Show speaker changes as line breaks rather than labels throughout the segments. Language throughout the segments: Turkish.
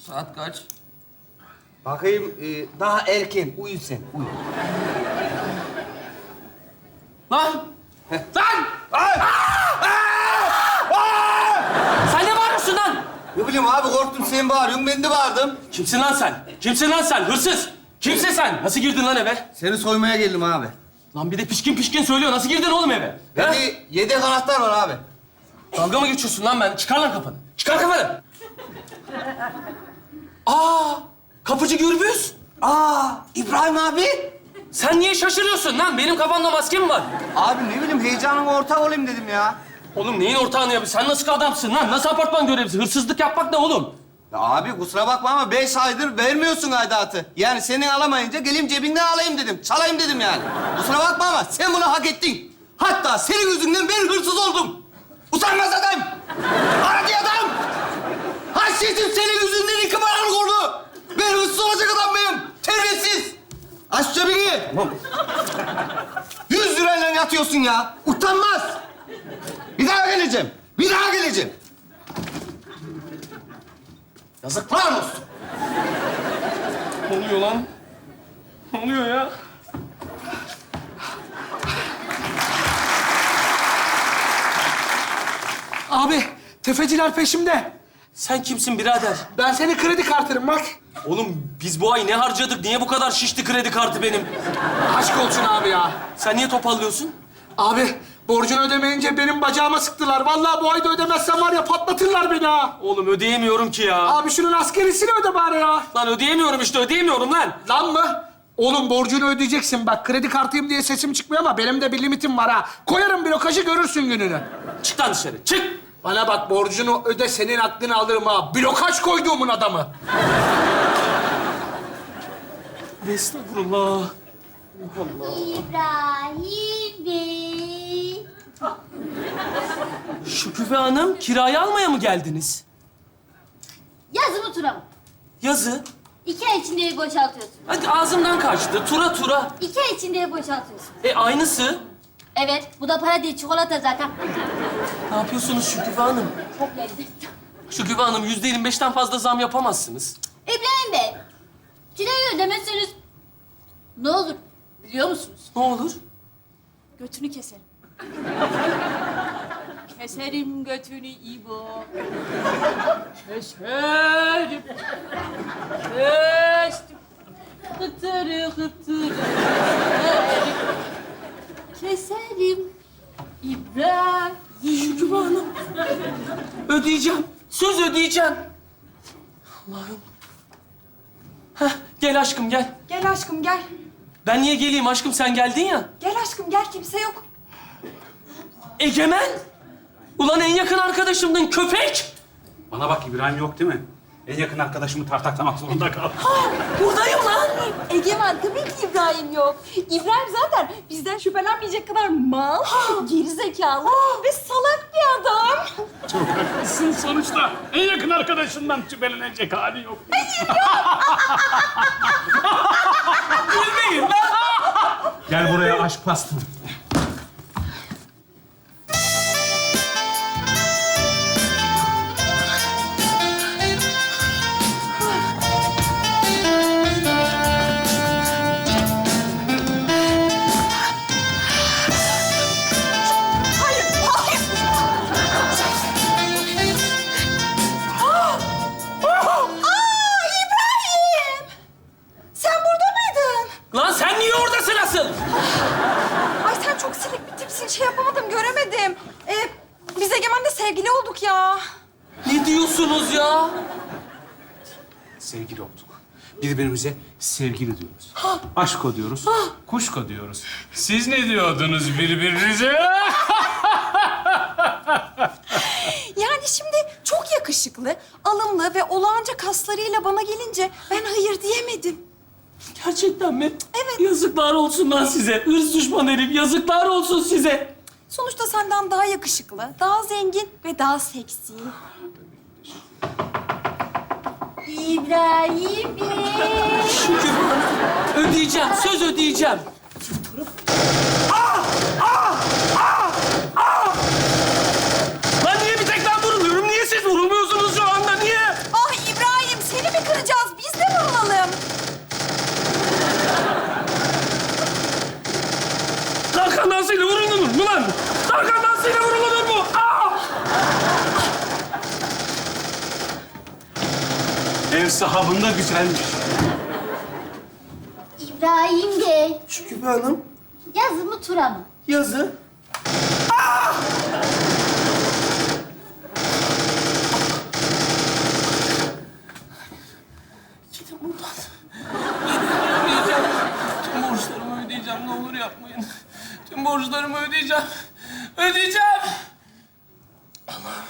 Saat kaç?
Bakayım, daha erken. Uyu sen, uyu.
Lan! Lan! Sen ne bağırıyorsun lan?
Ne bileyim abi, korktum sen bağırıyorsun, ben de bağırdım.
Kimsin lan sen? Kimsin lan sen? Hırsız! Kimsin sen? Nasıl girdin lan eve?
Seni soymaya geldim abi.
Lan bir de pişkin pişkin söylüyor. Nasıl girdin oğlum eve? Ha?
Bende yedek anahtar var abi.
Dalga mı geçiyorsun lan ben? Çıkar lan kafanı. Çıkar kafanı. Aa! Kapıcı Gürbüz.
İbrahim abi.
Sen niye şaşırıyorsun lan? Benim kafamda maske mi var?
Abi ne bileyim, heyecanıma ortak olayım dedim ya.
Oğlum neyin ortağını yapıyorsun? Sen nasıl adamsın lan? Nasıl apartman görevlisi? Hırsızlık yapmak ne oğlum?
Ya abi kusura bakma ama 5 aydır vermiyorsun aidatı. Yani senin alamayınca geleyim cebinden alayım dedim. Çalayım dedim yani. Kusura bakma ama sen bunu hak ettin. Hatta senin yüzünden ben hırsız oldum. Utanmaz adam. Aracı adam. Haşyetim senin yüzünden 2 paralık oldu. Ben hırsız olacak adam mıyım? Terbiyesiz. Aç cebini. 100 lirayla yatıyorsun ya. Utanmaz. Bir daha geleceğim. Bir daha geleceğim. Yazıklar olsun.
Ne oluyor lan? Ne oluyor ya?
Abi, tefeciler peşimde.
Sen kimsin birader?
Ben senin kredi kartınım bak.
Oğlum biz bu ay ne harcadık? Niye bu kadar şişti kredi kartı benim?
Aşk olsun abi ya.
Sen niye topallıyorsun?
Abi, borcunu ödemeyince benim bacağıma sıktılar. Vallahi bu ayda ödemezsem var ya patlatırlar beni ha.
Oğlum ödeyemiyorum ki ya.
Abi şunun askerisini öde bari ya.
Lan ödeyemiyorum işte, ödeyemiyorum lan.
Lan mı? Oğlum borcunu ödeyeceksin bak. Kredi kartıyım diye sesim çıkmıyor ama benim de bir limitim var ha. Koyarım blokajı görürsün gününü.
Çık lan dışarı, çık.
Bana bak, borcunu öde, senin aklını alırım ha. Blokaj koyduğumun adamı.
Estağfurullah.
İbrahim Bey.
Şüküfe Hanım, kirayı almaya mı geldiniz?
Yazı mı tura mı?
Yazı.
2 ay içinde evi boşaltıyorsun.
Hadi ağzımdan kaçtı. Tura tura.
2 ay içinde evi boşaltıyorsun.
Aynısı.
Evet, bu da para değil, çikolata zaten.
Ne yapıyorsunuz Şüküfe Hanım?
Çok lezzetli.
Şüküfe Hanım, %25'ten fazla zam yapamazsınız.
İbrahim Bey, kirayı ödemezseniz ne olur biliyor musunuz?
Ne olur?
Götünü keserim. Keserim götünü İbo. Keserim. Kestim. Hıtırı hıtırı. Keserim. İbrahim.
Şüküfe Hanım. Ödeyeceğim. Söz ödeyeceğim. Allah'ım. Heh, gel aşkım gel.
Gel aşkım gel.
Ben niye geleyim aşkım, sen geldin ya.
Gel aşkım gel, kimse yok.
Egemen. Ulan en yakın arkadaşımdın köpek.
Bana bak, İbrahim yok değil mi? En yakın arkadaşımı tartaklamak zorunda kaldım.
Buradayım lan.
Egemen, tabii ki İbrahim yok. İbrahim zaten bizden şüphelenmeyecek kadar mal, gerizekalı ve salak bir adam.
Çok haklısın sonuçta. En yakın arkadaşından şüphelenecek hali yok.
Gülmeyin lan.
Gel buraya aşk pastım.
Sen burada mıydın?
Lan sen niye oradasın asıl?
Ay sen çok silik bir tipsin, şey yapamadım, göremedim. Biz Egemen'le sevgili olduk ya.
Ne diyorsunuz ya?
Sevgili olduk. Birbirimize sevgili diyoruz. Aşko diyoruz. Kuşko diyoruz. Siz ne diyordunuz birbirinize?
Yani şimdi çok yakışıklı, alımlı ve olağanca kaslarıyla bana gelince ben hayır diyemedim.
Gerçekten mi?
Evet.
Yazıklar olsun lan size. Hırs düşman herif. Yazıklar olsun size.
Sonuçta senden daha yakışıklı, daha zengin ve daha seksi.
İbrahim Bey.
Şükür. Ödeyeceğim. Söz ödeyeceğim. Lan niye bir tek ben vuruluyorum? Niye siz vurulmuyorsunuz şu anda? Niye?
Ah İbrahim, seni mi
ev sahabında güzelmiş.
İbrahim Bey,
Şükübe Hanım,
yazı mı tura mı?
yazı.
Gidin buradan. Ödeyeceğim. Tüm borçlarımı ödeyeceğim. Ne olur yapmayın. Tüm borçlarımı ödeyeceğim. Ödeyeceğim. Allah'ım.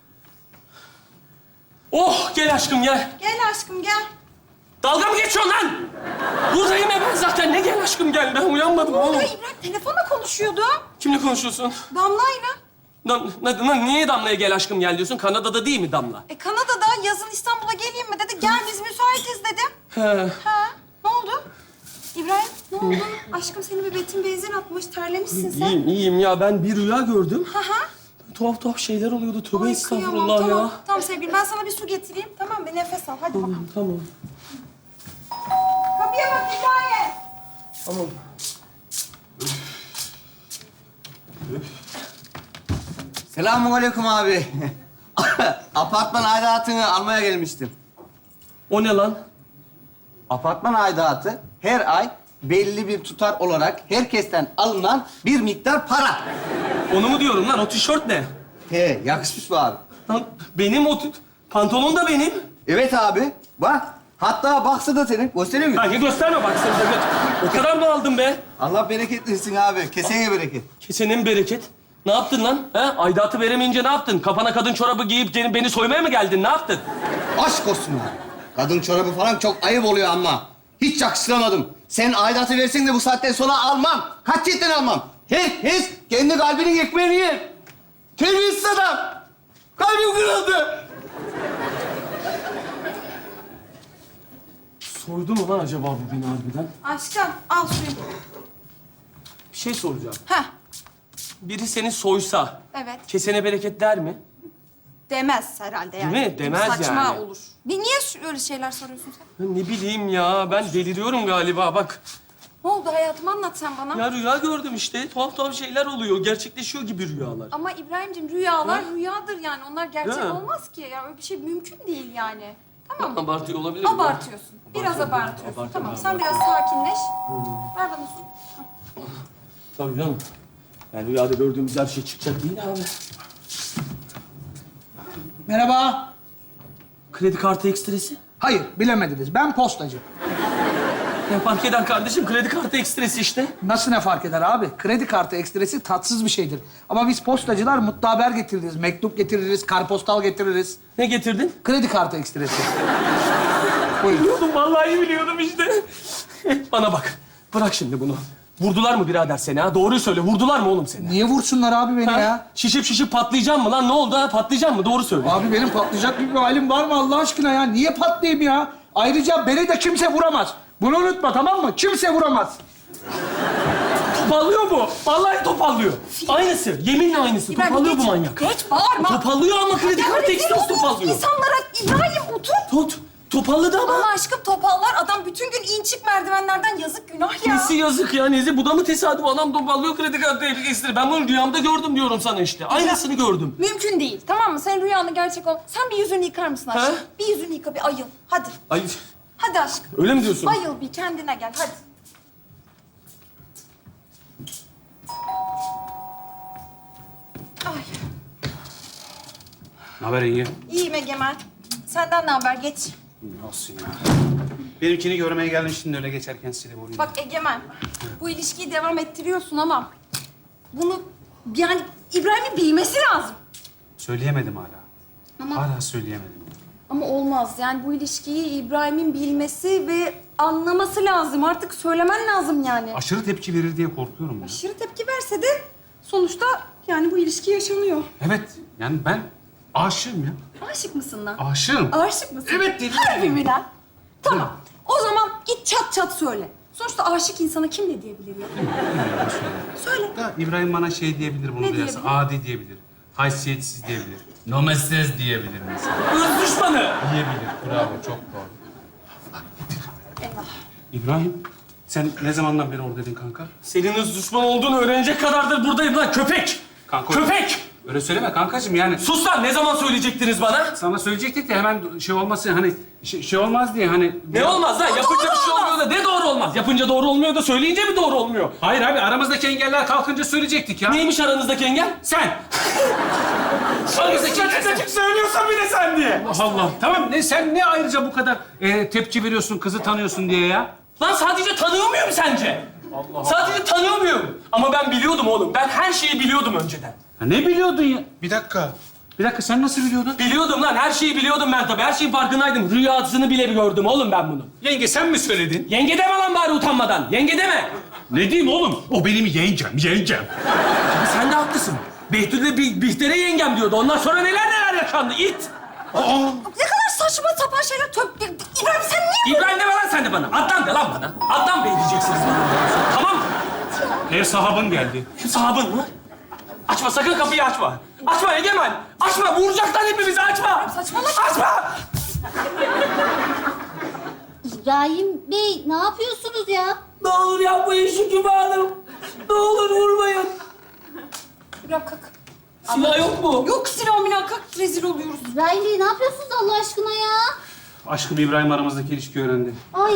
Oh, gel aşkım gel.
Gel aşkım gel.
Dalga mı geçiyorsun lan? Buradayım ya ben zaten. Ne gel aşkım gel. Ben uyanmadım
Ne
oğlum.
oluyor İbrahim? Telefonla konuşuyordu.
Kimle konuşuyorsun?
Damla'yla.
Niye Damla'ya gel aşkım gel diyorsun? Kanada'da değil mi Damla?
Kanada'da yazın İstanbul'a geleyim mi dedi. Gel biz müsaitiz dedim.
He.
Ha, ne oldu? İbrahim ne oldu? Aşkım seni bir Betin benzin atmış. Terlemişsin sen.
İyiyim ya. Ben bir rüya gördüm.
Ha ha.
Tuhaf tuhaf şeyler oluyordu. Tövbe
Ay,
estağfurullah
kıyamam.
ya.
Tamam sevgilim ben sana bir su getireyim. Tamam bir nefes al. Hadi bakalım.
Tamam.
Kapıya bak İbrahim.
Tamam.
Selamünaleyküm abi. Apartman aidatını almaya gelmiştim.
O ne lan?
Apartman aidatı her ay belli bir tutar olarak herkesten alınan bir miktar para.
Onu mu diyorum lan? O tişört ne?
He, yakışmış mı abi?
Lan benim pantolon da benim.
Evet abi, bak. Hatta baksı da senin. Göstereyim mi?
Kanka gösterme bak sen de. O kadar mı aldın be?
Allah bereket versin abi. Kesene bereket.
Kesenin bereket. Ne yaptın lan? He? Aidatı veremeyince ne yaptın? Kafana kadın çorabı giyip gelip beni soymaya mı geldin? Ne yaptın?
Aşk olsun abi. Kadın çorabı falan çok ayıp oluyor ama. Hiç yakıştıramadım. Sen aidatı versin de bu saatten sonra almam. Katiyetten almam. Herkes kendi kalbinin ekmeğini yer. Terbiyesiz adam. Kalbim kırıldı.
Soydu mu lan acaba bu beni harbiden?
Aşkım al suyu.
Bir şey soracağım.
Heh.
Biri seni soysa,
Evet.
kesene bereket der mi?
Demez herhalde yani.
Değil mi? Demez
Saçma
yani.
olur. Niye öyle şeyler soruyorsun sen?
Ya ne bileyim ya, ben deliriyorum galiba bak.
Ne oldu hayatım anlat sen bana.
Ya rüya gördüm işte, tuhaf tuhaf şeyler oluyor. Gerçekleşiyor gibi rüyalar.
Ama İbrahim'cim rüyalar
Ha?
rüyadır yani. Onlar gerçek
Değil mi?
olmaz ki. Ya öyle bir şey mümkün değil yani. Tamam mı?
Abartıyor olabilir mi?
Abartıyorsun. Biraz
Abartıyorum,
abartıyorsun.
abartıyorum,
Tamam
ben
sen biraz sakinleş. Ver bana su.
Tabii canım. Yani rüyada gördüğümüz her şey çıkacak değil abi.
Merhaba.
Kredi kartı ekstresi.
Hayır, bilemediniz. Ben postacı.
Ne fark eder kardeşim? Kredi kartı ekstresi işte.
Nasıl ne fark eder abi? Kredi kartı ekstresi tatsız bir şeydir. Ama biz postacılar mutlu haber getiririz, mektup getiririz, karpostal getiririz.
Ne getirdin?
Kredi kartı ekstresi. Buyurun.
Biliyordum, vallahi biliyordum işte. Bana bak, bırak şimdi bunu. Vurdular mı birader seni ha? Doğruyu söyle, vurdular mı oğlum seni?
Niye vursunlar abi beni
Ha?
ya?
Şişip şişip patlayacağım mı lan? Ne oldu ha? Patlayacağım mı? Doğru söyle.
Abi benim patlayacak bir halim var mı Allah aşkına ya? Niye patlayayım ya? Ayrıca beni de kimse vuramaz. Bunu unutma tamam mı? Kimse vuramaz.
Topallıyor bu. Vallahi topallıyor. Aynısı. Yeminle aynısı. Topallıyor bu manyak.
Geç bağırma.
Topallıyor ama kredi
Ya
kartı
rezil
ekstresi
oluyorsun
topallıyor.
İnsanlara İbrahim otur.
Topalladı ama.
Ama aşkım topallar. Adam bütün gün in çık merdivenlerden yazık günah ya.
Nesi yazık ya Nezi. Bu da mı tesadüf? Adam topallıyor kredi kartı ekstresi. Ben bunu rüyamda gördüm diyorum sana işte. Aynısını gördüm.
Mümkün değil. Tamam mı? Senin rüyanı gerçek ol. Sen bir yüzünü yıkar mısın aşkım?
Ha?
Bir yüzünü yıka, bir ayıl. Hadi.
Ay,
Hadi aşkım.
öyle mi diyorsun?
Ayıl bir kendine gel. Hadi. Ay.
Ne haber iyi?
İyiyim Egemen. Senden ne haber? Geç.
Nasıl ya? Benimkini görmeye geldim şimdi öyle geçerken size vurayım.
Bak Egemen, bu ilişkiyi devam ettiriyorsun ama bunu yani İbrahim'in bilmesi lazım.
Söyleyemedim hala.
Ama-
Hala söyleyemedim.
Ama olmaz. Yani bu ilişkiyi İbrahim'in bilmesi ve anlaması lazım. Artık söylemen lazım yani.
Aşırı tepki verir diye korkuyorum ya.
Aşırı tepki verse de sonuçta yani bu ilişki yaşanıyor.
Evet, yani ben aşığım ya.
Aşık mısın lan?
Aşığım.
Aşık mısın?
Evet dedim.
Harbi mi lan? Tamam. O zaman git çat çat söyle. Sonuçta aşık insana kim ne diyebilir ya? Söyle.
Da İbrahim bana şey diyebilir bunu
Ne
duyarsa.
diyebilir?
Adi diyebilir. Haysiyetsiz diyebilir. Nomestes diyebilir mesela.
Hırs düşmanı.
Diyebilir. Bravo, çok doğru.
Eyvah.
İbrahim, sen ne zamandan beri oradaydın kanka?
Senin hırs düşman olduğunu öğrenecek kadardır buradayım lan köpek.
Kanka,
Köpek!
Öyle söyleme kankacığım yani.
Sus lan, ne zaman söyleyecektiniz bana?
Sana söyleyecektik de hemen şey olmasın hani şey olmaz diye hani.
Ne olmaz lan? Yapınca bir şey olmuyor da ne doğru olmaz? Yapınca doğru olmuyor da söyleyince mi doğru olmuyor?
Hayır abi aramızdaki engeller kalkınca söyleyecektik ya.
Neymiş aranızdaki engel?
Sen.
Açık açık söylüyorsan bir de sen diye.
Allah. Tamam sen ne ayrıca bu kadar tepki veriyorsun kızı tanıyorsun diye ya?
Lan sadece tanıyor muyum sence? Sadece tanıyor muyum? Ama ben biliyordum oğlum. Ben her şeyi biliyordum önceden.
Ha, ne biliyordun ya?
Bir dakika.
Bir dakika sen nasıl biliyordun?
Biliyordum lan. Her şeyi biliyordum ben tabii. Her şeyin farkındaydım. Rüyasını bile gördüm oğlum ben bunu.
Yenge sen mi söyledin?
Yenge deme lan bari utanmadan. Yenge deme.
Ne diyeyim oğlum? O benim yengem.
Abi sen de haklısın. Behlül'le Bihter'e yengem diyordu. Ondan sonra neler yaşandı. İt.
Ne kadar saçma sapan şeyler. İbrahim sen niye...
İbrahim deme lan sen de bana. Adnan de lan bana. Adnan Bey diyeceksiniz bana. Tamam mı?
Ev sahabın geldi.
Şu sahabın mı? Açma, sakın kapıyı açma. Açma Egemen. Açma, vuracaklar hepimizi. Açma.
Saçmalama.
Açma.
İbrahim Bey ne yapıyorsunuz ya?
Ne olur yapmayın Şükrü Hanım. Ne olur vurmayın.
İbrahim kalk.
Silah yok mu?
Yok silah milah kalk. Rezil oluyoruz.
İbrahim Bey ne yapıyorsunuz Allah aşkına ya?
Aşkım İbrahim aramızdaki ilişkiyi öğrendi.
Ay.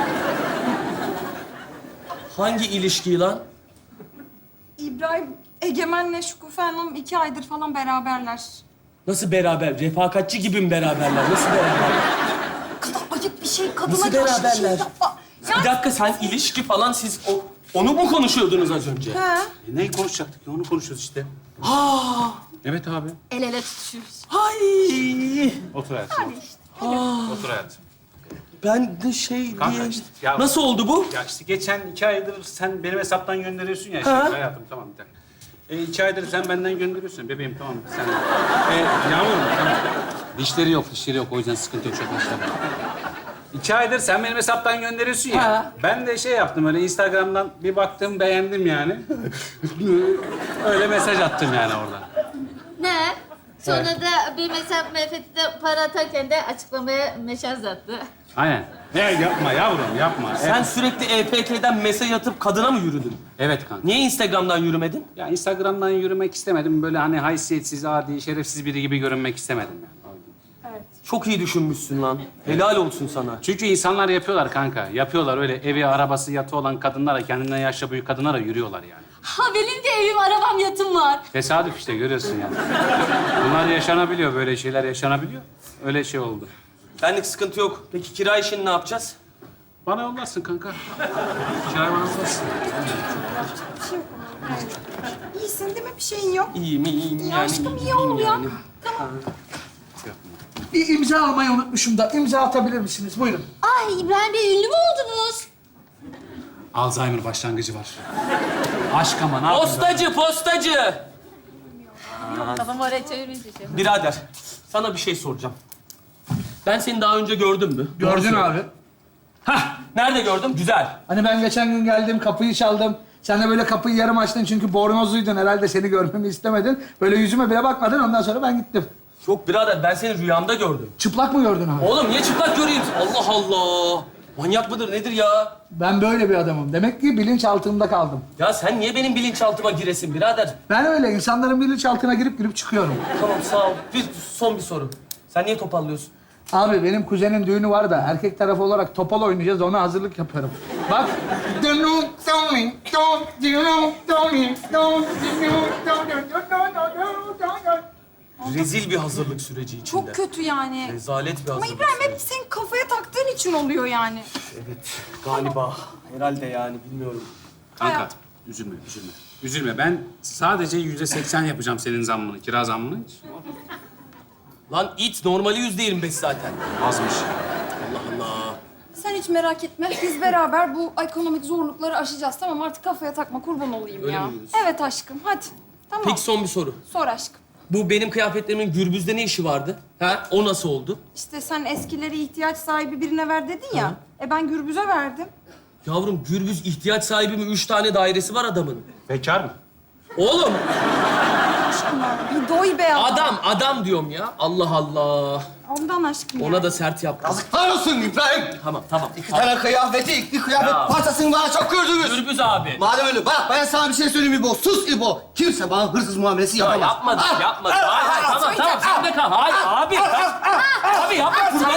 Hangi ilişkiyi lan?
İbrahim, Egemen'le Şükufe Hanım 2 aydır falan beraberler.
Nasıl beraber? Refakatçi gibi mi beraberler? Nasıl beraber?
Kadar ayıp bir şey. Kadına
Nasıl
karşı bir şey
beraberler?
yapma.
Bir dakika, sen ilişki falan siz onu mu konuşuyordunuz az önce?
He.
Neyi konuşacaktık ya? Onu konuşuyoruz işte. Evet abi.
El ele tutuşuyoruz.
Ay.
Otur hayatım. Otur hayatım.
Ben de şey
Kanka
diye...
işte, ya-
Nasıl oldu bu?
Ya işte geçen 2 aydır sen benim hesaptan gönderiyorsun ya.
Ha.
Şey, hayatım tamam bir dakika. 2 aydır sen benden gönderiyorsun. Bebeğim tamam sen. Yağmur tamam. Dişleri yok o yüzden sıkıntı yok arkadaşlar. 2 aydır sen benim hesaptan gönderiyorsun ya.
Ha.
Ben de şey yaptım öyle Instagram'dan bir baktım beğendim yani. Öyle mesaj attım yani oradan.
Ne? Sonra da bir mesela Mehmet'e para atarken de açıklamaya mesaj attı.
Aynen. Yapma yavrum yapma.
Sen sürekli EPK'den mesaj atıp kadına mı yürüdün?
Evet kanka.
Niye Instagram'dan yürümedin?
Ya Instagram'dan yürümek istemedim. Böyle hani haysiyetsiz, adi, şerefsiz biri gibi görünmek istemedim yani.
Çok iyi düşünmüşsün lan. Helal olsun sana.
Çünkü insanlar yapıyorlar kanka. Yapıyorlar öyle evi, arabası, yatı olan kadınlara, kendinden yaşça büyük kadınlara yürüyorlar yani.
Ha benim de evim, arabam, yatım var.
Tesadüf işte görüyorsun yani. Bunlar yaşanabiliyor, böyle şeyler yaşanabiliyor. Öyle şey oldu.
Benlik sıkıntı yok. Peki kira işini ne yapacağız?
Bana yollarsın kanka. Çay bana yollarsın.
İyisin değil mi? Bir şeyin yok.
İyiyim.
Ya aşkım iyi ol ya.
Bir imza almayı unutmuşum da. İmza atabilir misiniz? Buyurun.
Ay İbrahim Bey ünlü mü oldunuz?
Alzheimer başlangıcı var. Aşk ama ne yapayım?
Postacı.
Kafamı oraya çevirince şey.
Birader, sana bir şey soracağım. Ben seni daha önce gördüm mü?
Gördün abi.
Hah, nerede gördüm? Güzel.
Hani ben geçen gün geldim, kapıyı çaldım. Sen de böyle kapıyı yarım açtın çünkü bornozluydun. Herhalde seni görmemi istemedin. Böyle yüzüme bile bakmadın. Ondan sonra ben gittim.
Yok birader, ben seni rüyamda gördüm.
Çıplak mı gördün abi?
Oğlum niye çıplak göreyim? Allah Allah. Manyak mıdır nedir ya?
Ben böyle bir adamım. Demek ki bilinçaltımda kaldım.
Ya sen niye benim bilinçaltıma giresin birader?
Ben öyle insanların bilinçaltına girip çıkıyorum.
Tamam sağ ol. Son bir soru. Sen niye topallıyorsun?
Abi benim kuzenin düğünü var da erkek tarafı olarak topal oynayacağız. Ona hazırlık yapıyorum. Bak.
Rezil bir hazırlık süreci içinde.
Çok kötü yani.
Rezalet bir
Ama
hazırlık
İbrahim hep
süreci.
senin kafaya taktığın için oluyor yani.
Evet galiba. Herhalde yani bilmiyorum.
Kanka
Hayat.
üzülme. Üzülme. Ben sadece %80 yapacağım senin zammını, kira zammını.
Lan it normali %25 zaten.
Azmış.
Allah Allah.
Sen hiç merak etme. Biz beraber bu ekonomik zorlukları aşacağız. Tamam artık kafaya takma kurban olayım
Öyle
ya.
mi diyorsun?
Evet aşkım hadi. Tamam.
Peki son bir soru.
Sor aşkım.
Bu benim kıyafetlerimin Gürbüz'de ne işi vardı? Ha? O nasıl oldu?
İşte sen eskileri ihtiyaç sahibi birine ver dedin ya. Ben Gürbüz'e verdim.
Yavrum Gürbüz ihtiyaç sahibi mi? 3 tane dairesi var adamın.
Bekar mı?
Oğlum
Yapma. Bir doy be adam.
Adam diyorum ya. Allah Allah.
Ondan aşkım ya.
Ona da sert yaptım.
Yazıklar olsun İbrahim.
Tamam.
İki tane kıyafeti, iki kıyafet
Ya.
parçasını bana çok gördünüz.
Gürbüz abi.
Madem öyle, bak ben sana bir şey söyleyeyim İbo. Sus İbo. Kimse bana hırsız muamelesi
Ya
yapamaz.
yapmadık.
Ah!
Hayır, tamam. Sen de kal. Hayır, abi. Abi yapma.